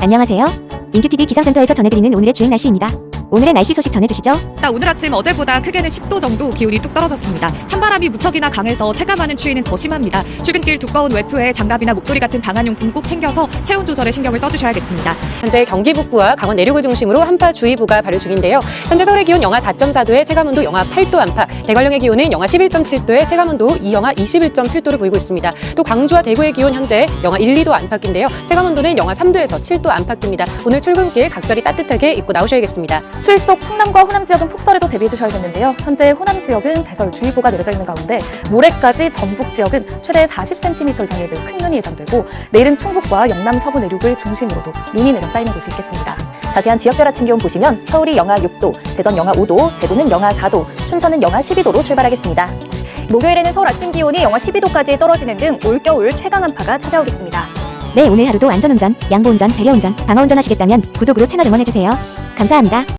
안녕하세요. 인큐TV 기상센터에서 전해드리는 오늘의 주행 날씨입니다. 오늘의 날씨 소식 전해주시죠. 오늘 아침 어제보다 크게는 10도 정도 기온이 뚝 떨어졌습니다. 찬바람이 무척이나 강해서 체감하는 추위는 더 심합니다. 출근길 두꺼운 외투에 장갑이나 목도리 같은 방한용품 꼭 챙겨서 체온 조절에 신경을 써주셔야겠습니다. 현재 경기 북부와 강원 내륙을 중심으로 한파주의보가 발효 중인데요. 현재 서울의 기온 영하 4.4도에 체감온도 영하 8도 안팎, 대관령의 기온은 영하 11.7도에 체감온도 영하 21.7도를 보이고 있습니다. 또 광주와 대구의 기온 현재 영하 1, 2도 안팎인데요. 체감온도는 영하 3도에서 7도 안팎입니다. 오늘 출근길 각별히 따뜻하게 입고 나오셔야겠습니다. 추위 속 충남과 호남 지역은 폭설에도 대비해 주셔야겠는데요. 현재 호남 지역은 대설주의보가 내려져 있는 가운데 모레까지 전북 지역은 최대 40cm 이상의 매우 큰 눈이 예상되고 내일은 충북과 영남 서부 내륙을 중심으로도 눈이 내려 쌓이는 곳이 있겠습니다. 자세한 지역별 아침 기온 보시면 서울이 영하 6도, 대전 영하 5도, 대구는 영하 4도, 춘천은 영하 12도로 출발하겠습니다. 목요일에는 서울 아침 기온이 영하 12도까지 떨어지는 등 올겨울 최강 한파가 찾아오겠습니다. 네, 오늘 하루도 안전운전, 양보운전, 배려운전, 방어운전 하시겠다면 구독으로 채널 응원해주세요. 감사합니다.